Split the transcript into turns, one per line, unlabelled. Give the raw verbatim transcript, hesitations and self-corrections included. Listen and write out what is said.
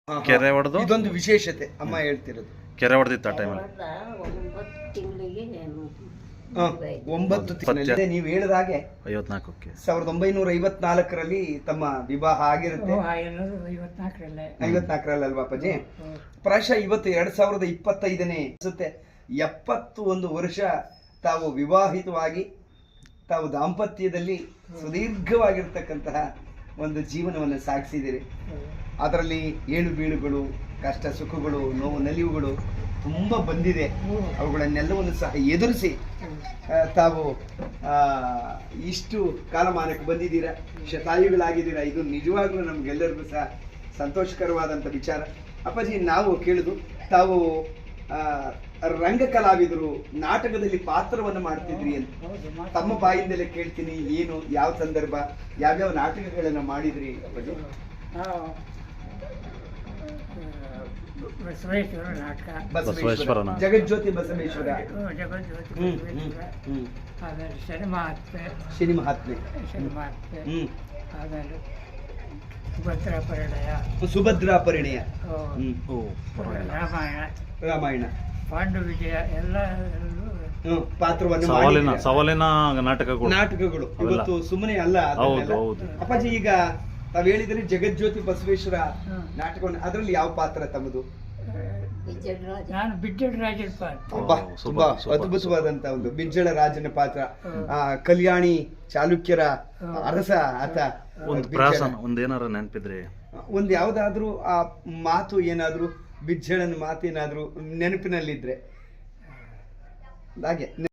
ಕೆರೆ ಹೊಡೆದು
ಇದೊಂದು ವಿಶೇಷತೆ ಅಮ್ಮ ಹೇಳ್ತಿರೋದು.
ಕೆರೆ ಹೊಡೆದಿತ್ತು ಆ ಟೈಮಲ್ಲಿ.
ಒಂಬತ್ತು ತಿಂಗಳಲ್ಲಿ ನೀವು ಹೇಳಿದ ಹಾಗೆ
ಐವತ್ನಾಲ್ಕಕ್ಕೆ
ಸಾವಿರದ ಒಂಬೈನೂರ ಐವತ್ನಾಲ್ಕರಲ್ಲಿ ತಮ್ಮ ವಿವಾಹ ಆಗಿರುತ್ತೆ. ಐವತ್ನಾಲ್ಕರಲ್ಲಿ ಅಲ್ವಾ ಅಪ್ಪಾಜಿ? ಪ್ರಾಯಶಃ ಇವತ್ತು ಎರಡ್ ಸಾವಿರದ ಇಪ್ಪತ್ತೈದನೇ ಅನ್ಸುತ್ತೆ. ಎಪ್ಪತ್ತು ಒಂದು ವರ್ಷ ತಾವು ವಿವಾಹಿತವಾಗಿ ತಾವು ದಾಂಪತ್ಯದಲ್ಲಿ ಸುದೀರ್ಘವಾಗಿರ್ತಕ್ಕಂತಹ ಒಂದು ಜೀವನವನ್ನು ಸಾಗಿಸಿದ್ದೀರಿ. ಅದರಲ್ಲಿ ಏಳು ಬೀಳುಗಳು, ಕಷ್ಟ ಸುಖಗಳು, ನೋವು ನಲಿವುಗಳು ತುಂಬ ಬಂದಿದೆ. ಅವುಗಳನ್ನೆಲ್ಲವನ್ನು ಸಹ ಎದುರಿಸಿ ತಾವು ಇಷ್ಟು ಕಾಲಮಾನಕ್ಕೆ ಬಂದಿದ್ದೀರಾ, ಶತಾಯುಗಳಾಗಿದ್ದೀರಾ. ಇದು ನಿಜವಾಗ್ಲೂ ನಮಗೆಲ್ಲರಿಗೂ ಸಹ ಸಂತೋಷಕರವಾದಂಥ ವಿಚಾರ. ಅಪ್ಪಾಜಿ, ನಾವು ಕೇಳಿದು ತಾವು ರಂಗ ಕಲಾವಿದರು, ನಾಟಕದಲ್ಲಿ ಪಾತ್ರವನ್ನು ಮಾಡ್ತಿದ್ರಿ ಅಂತ ತಮ್ಮ ಬಾಯಿಂದಲೇ ಕೇಳ್ತೀನಿ. ಏನು, ಯಾವ ಸಂದರ್ಭ, ಯಾವ್ಯಾವ ನಾಟಕಗಳನ್ನು ಮಾಡಿದ್ರಿ ಅಪ್ಪಾಜಿ?
ಬಸವೇಶ್ವರ ನಾಟಕ,
ಬಸವೇಶ್ವರ,
ಜಗಜ್ಯೋತಿ ಬಸವೇಶ್ವರ,
ಆಮೇಲೆ ಶನಿಮಹಾತ್ಮೆ,
ಶನಿ ಮಹಾತ್ಮೆ,
ಶನಿಮಹಾತ್ಮೆ, ಆಮೇಲೆ ಸುಭದ್ರಾ ಪರಿಣಯ,
ಸುಭದ್ರಾ ಪರಿಣಯ,
ರಾಮಾಯಣ,
ರಾಮಾಯಣ,
ಪಾಂಡು ವಿಜಯ ಎಲ್ಲ
ಪಾತ್ರವನ್ನು
ಸವಾಲಿನ ಸವಾಲಿನ ನಾಟಕಗಳು
ನಾಟಕಗಳು ಇವತ್ತು ಸುಮ್ಮನೆ ಅಲ್ಲ. ಅಪ್ಪಾಜಿ, ಈಗ ತಾವ್ ಹೇಳಿದ್ರೆ ಜಗಜ್ಯೋತಿ ಬಸವೇಶ್ವರ ನಾಟಕವನ್ನು, ಅದರಲ್ಲಿ ಯಾವ ಪಾತ್ರ ತಮ್ಮದು?
ನಾನು ಬಿಜ್ಜಳ ರಾಜನ ಪಾತ್ರ.
ತುಂಬಾ ಅದ್ಭುತವಾದಂತ ಒಂದು ಬಿಜ್ಜಳ ರಾಜನ ಪಾತ್ರ. ಆ ಕಲ್ಯಾಣಿ ಚಾಲುಕ್ಯರ ಅರಸ ಆತ.
ಒಂದು ಪ್ರಾಸನ ಒಂದೇನಾರ ನೆನಪಿದ್ರೆ,
ಒಂದ್ ಯಾವ್ದಾದ್ರು ಆ ಮಾತು ಏನಾದ್ರು, ಬಿಜ್ಜಳನ ಮಾತೇನಾದ್ರು ನೆನಪಿನಲ್ಲಿದ್ರೆ ಹಾಗೆ